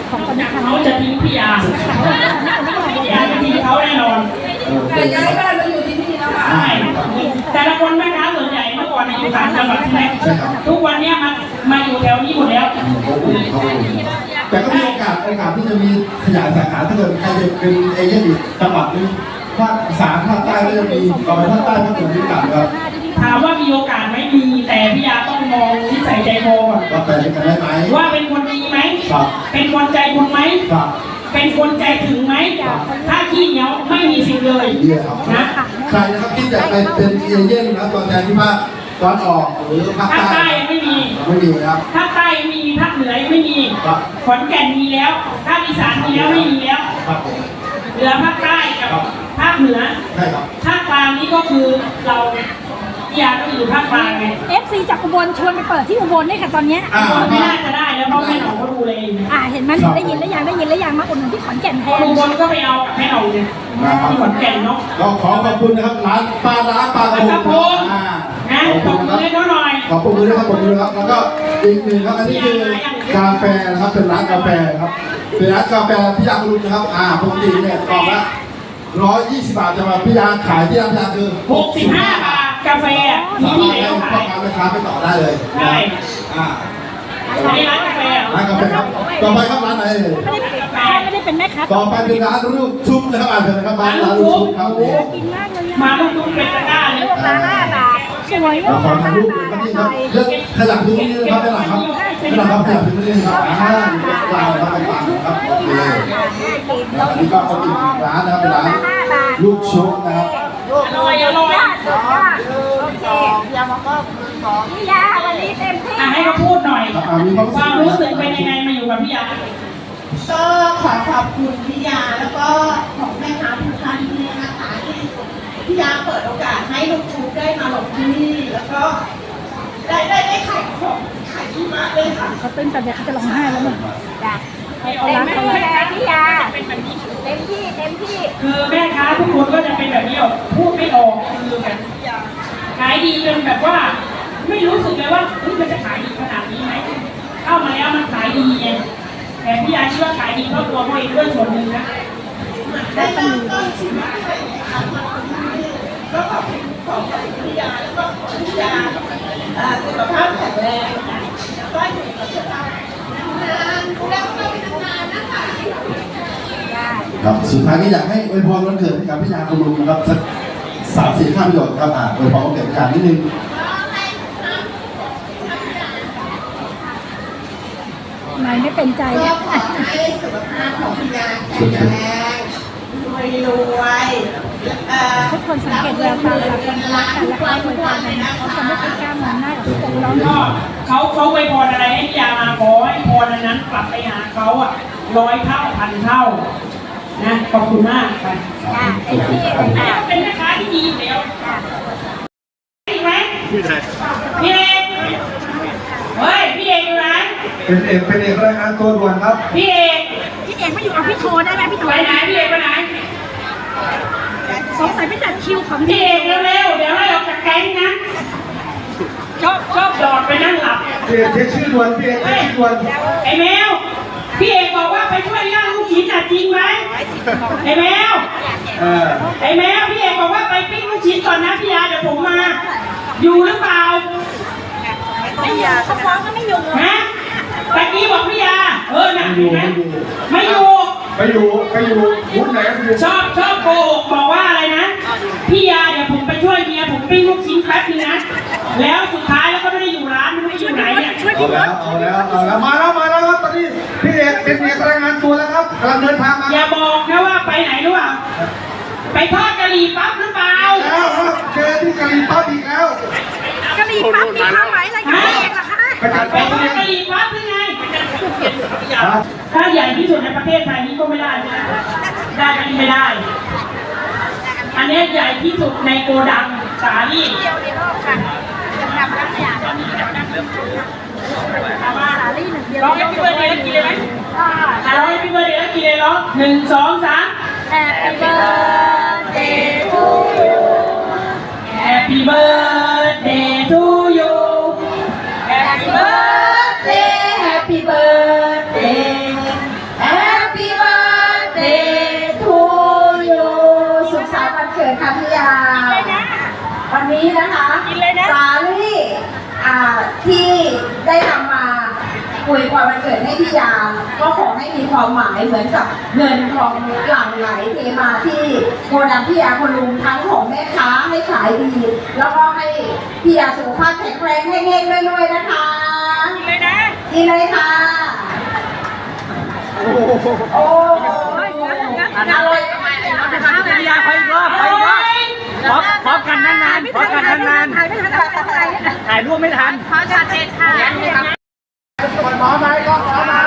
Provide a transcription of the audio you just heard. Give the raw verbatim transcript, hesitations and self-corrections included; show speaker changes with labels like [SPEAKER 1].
[SPEAKER 1] ของคนที่ทำ
[SPEAKER 2] เขาจะทิ้งพี่ยาพี่ยาจะทิ้งเขาแน่นอน
[SPEAKER 3] แต่ย้ายบ้านมาอยู่ที่นี่แล้วค่ะ
[SPEAKER 2] ใช่แต่ละคนแม่ค้าส่วนใหญ่เมื่อก่อนอยู่ต่างจังหวัดใช่ไหมทุกวันนี้มามาอยู่แถวนี้หมดแล้ว
[SPEAKER 4] แต่ก็มีโอกาสโอกาสที่จะมีขยายสาขาถ้าเกิดใครจะเป็นเอเย่นอยู่จังหวัดนึงภาคอีสานภาคใต้ก็จะมีต่อไปภาคใต้ภาคเหนือมีโอกาสครับ
[SPEAKER 2] ถามว่ามีโอกาสไหมมีแต่พี่ยาต้องมองนิสัยใจคอก่อน
[SPEAKER 4] ว่าไปด้วยกันได้ไหม
[SPEAKER 2] ว่าเป็นคนดีไหม
[SPEAKER 4] ครับ
[SPEAKER 2] เป็นคนใจบุญไหม
[SPEAKER 4] ครับ
[SPEAKER 2] เป็นคนใจถึงไหมถ้าขี้เหนียวไม่มีสิ่งเลยนะ
[SPEAKER 4] ใครนะครับที่จะไปเป็นเอเย่นนะตัวแทนที่ภาคตอนออกหรือภาคใต้
[SPEAKER 2] ภาคใต้ไม่มี
[SPEAKER 4] ไม่มีครับ
[SPEAKER 2] ภาคใต้ไม่มีภาคเหนือไม่มีขอนแก่นมีแล้วภาคอีสานมีแล้วไม่มีแล้วเหลือภาคใต้กับภาคเหนือ
[SPEAKER 4] ใช่ครับ
[SPEAKER 2] ภาคกลางนี้ก็คือเราอยากก็อยู่ภาคกลางไง
[SPEAKER 1] เอฟซีจากอุบลชวนไปเปิดที่อุบลด้วยค่ะตอนนี้
[SPEAKER 2] ไม่น่าจะได้แล้วเพราะแม่หนองก็ดูเลย
[SPEAKER 1] อ่าเห็นไหมได้ยินแล้วยังได้ยินแล้วยังมาอุดหนุนที่ขอนแก่นแทน
[SPEAKER 2] อุบลก็ไปเอากับแม่หนองเลยที่ขอนแก่นเนาะ
[SPEAKER 4] ก็ขอขอบคุณนะครับร้านปลาร้าปลากระพง
[SPEAKER 2] นะขอบคุณเลยน้อย
[SPEAKER 4] ขอบคุณด้วยครับขอบคุณครับแล้วก็อีกหนึ่งครับอันนี้คือกาแฟนะครับเป็นร้านกาแฟครับเป็นร้านกาแฟพี่ยาคุณนะครับอ่าปกติเนี่ยกล่องละร้อยยี่สิบบาทจะมาพี่ยาขายที่ร้านพี่ยาคือ
[SPEAKER 2] หกสิบห้าบาทกาแฟ
[SPEAKER 4] สามารถให้พ่อค้าแม่ค้าไปต่อได้เลย
[SPEAKER 2] ใช่
[SPEAKER 4] อ่า
[SPEAKER 2] ร้านกาแฟ
[SPEAKER 4] ร้านกาแฟครับต่อไปครับร้านไหน
[SPEAKER 1] ไม่ได้เป็นไม่ได้เป็นแม่ค้า
[SPEAKER 4] ต่อไปเป็นร้านลูกชุบนะครับอ่านเถอะนะครับร้านลูกชุบครับ
[SPEAKER 1] กินมากเลย
[SPEAKER 2] มาลูกชุบเป็นตะกร้าเลย
[SPEAKER 1] ร้านห้าบาทสวยมาก
[SPEAKER 4] ขอถ่ายรูปเลยครับนี่ครับเลือกขยับดูนี่นะครับได้หลังครับได้หลังครับขยับดูนี่ครับอ่าลายครับต่างๆครับโอเคอันนี้ก็เป็นอีกร้านนะครับเป็นร้านลูกชุบนะครับ
[SPEAKER 2] อร่อยอร่อย
[SPEAKER 1] โอเคยามาก็พี่ยาวันนี้เต็มที่
[SPEAKER 2] ให้เขาพูดหน่อยความรู้สึกเป็นยังไงมาอยู่กับพี่ยา
[SPEAKER 3] ก็ขอขอบคุณพี่ยาแล้วก็ของแม่ค้าทุกท่านที่นะคะที่พี่ยาเปิดโอกาสให้ลูกชุบได้มาหลบที่นี่แล้วก็ได้ได้ได้ขายของขายที่มาเลยค่ะ
[SPEAKER 1] เขาเต้นแต่เด็กเขาจะร้องไห้แล้วมั้ง
[SPEAKER 2] ให้เอาร้านเขาเลย
[SPEAKER 1] พี่ยาเต็มที่เต็มที่
[SPEAKER 2] คือแม่ค้าทุกคนก็จะเป็นแบบนี้หรอกพูดไม่ออกคือแบบขายดีจนแบบว่าไม่รู้สึกเลยว่าเฮ้ยมันจะขายดีขนาดนี้ไหมเข้ามาแล้วมันขายดีไงแต่พี่ยาคิดว่าขายดีเพราะตัวเขาเองด้วยส่วนหนึ่งนะ
[SPEAKER 3] ได้ตั้งต้นชีวิตให้ก็ขอบคุณของพี่ยาแล้วก็พี่ยาสุขภาพแข็งแรงก็อยู่กับเรานานแล้วก็นานนะคะ
[SPEAKER 4] ครับสุดท้ายนี้อยากให้อวยพรวันเกิดให้กับพี่ยาคุณลุงนะครับสักสามสี่ข้ามประโยชน์ครับอ่าอวยพรวันเกิดพี่ยานิดนึง
[SPEAKER 1] นายไม่เป็นใจ
[SPEAKER 3] ก็ขอให้สุขภาพของพี่ยาแข็งแรงรวยรวย
[SPEAKER 1] ทุกคนสังเกตแววตาเวลาคนรักกันและเขาอวยพรกันเขาจะไม่เคยกล้ามองหน้ากับทุกคนแล้ว
[SPEAKER 2] ก็เขาเขาอวยพรอะไรให้พี่ยามาขอให้พรนั้นกลับไปหาเขาอ่ะร้อยเท่าพันเท่านะขอบคุณมากค่ะเป็นแม่ค้าที่ดีอยู่แล้วจริงไหมพี่เอกเฮ้ยพี่เอกอยู่ไหน
[SPEAKER 4] เป็นเอกเป็นเอกรายงานตัวด่วนครับ
[SPEAKER 2] พี่เอก
[SPEAKER 1] พี่เอกไม่อยู่เอาพี่โทรได้ไหมพี่โทร
[SPEAKER 2] ไปไหนพี่เอกไปไหน
[SPEAKER 1] สงสัยไปจัดคิวของ
[SPEAKER 2] พี่เอกเร็วๆเดี๋ยวให้ออกจากแก๊งนะชอบชอบดอดไปนั่งหลับ
[SPEAKER 4] พี่เอกเช็คชื่อด่วนพี่เอกเช็คชื่อด่วน
[SPEAKER 2] ไอ้แมวพี่เอกบอกว่าไปช่วยย่างลูกชิ้นจริงไหมไอ้แมวไอ้แมวพี่เอกบอกว่าไปปิ้งลูกชิ้นก่อนนะพี่ยาเดี๋ยวผมมาอยู่หรือเปล่า
[SPEAKER 1] ไม่อยู่เขาฟ้องก็ไม่อยู่
[SPEAKER 2] ฮะตะกี้บอกพี่ยาเออนะไม่อยู่
[SPEAKER 4] ไม่อยู่ไม่อยู่พูดไหน
[SPEAKER 2] ชอบชอบโกหกบอกว่าอะไรนะพี่ยาเดี๋ยวผมไปช่วยเมียผมปิ้งลูกชิ้นแป๊บนึงนะแล้วสุดท้ายแล้วก็ไม่ได้อยู่ร้านไม่ได้อยู่ไหนเนี่ย
[SPEAKER 4] เอาแล้วเอาแล้วเอาแล้วมาแล้วมาแล้วครับตอนนี้พี่เอกเป็นเอกรายงานตัวแล้วครับกำลังเดินทางมา
[SPEAKER 2] อย่าบอกนะว่าไปไหนรู้เปล่าไปทอดกะหรี่ปั๊บหรือเปล่า
[SPEAKER 4] แล้วครับเจอที่กะหรี่ปั๊บอีกแล้ว
[SPEAKER 1] กะหรี่ปั๊บมีความหมายอะไรกับพี่เอกล่ะคะ
[SPEAKER 2] ไปทอดกะหรี่ปั๊บหรือไงถ้าใหญ่ที่สุดในประเทศไทยนี้ก็ไม่ได้นะได้ก็ไม่ได้อันนี้ใหญ่ที่สุดในโกดังสาลี่
[SPEAKER 1] เดียวในโลกค่ะจะทำน้ำยาต้องมีน้ำเริ่มสาลี่หนึ่งเดียว
[SPEAKER 2] ร้องให้พี่เบิร์ดเดย์กินเลยไหมร้องให้พี่เบิร์ดเดย์กินเลยร้องหนึ่งสองสาม
[SPEAKER 1] Happy birthday to you
[SPEAKER 2] Happy birthday to you
[SPEAKER 3] Happy birthday Happy birthday พี่ยาก็ขอให้มีความหมายเหมือนกับเงินทองหลั่งไหลเทมาที่โกดังพี่ยาคุณลุงทั้งของแม่ค้าให้ขายดี แล้วก็ให้พี่ยาสุขภาพแข็งแรงให้เง่งๆด้วยๆนะคะดีเลยนะดีเลยค่ะโอ้โหอร่อยมากเลยนะคะ
[SPEAKER 5] พี่ยาไปอีกรอบไปอีกรอบพร้อมพร้อมกันนานๆพร้อมกันนานๆถ่ายไม่ทันถ่ายรูปไม่ทัน
[SPEAKER 1] ขอจัดเด็ดค่ะ
[SPEAKER 5] พร้อมไหมก็พร้อมไหม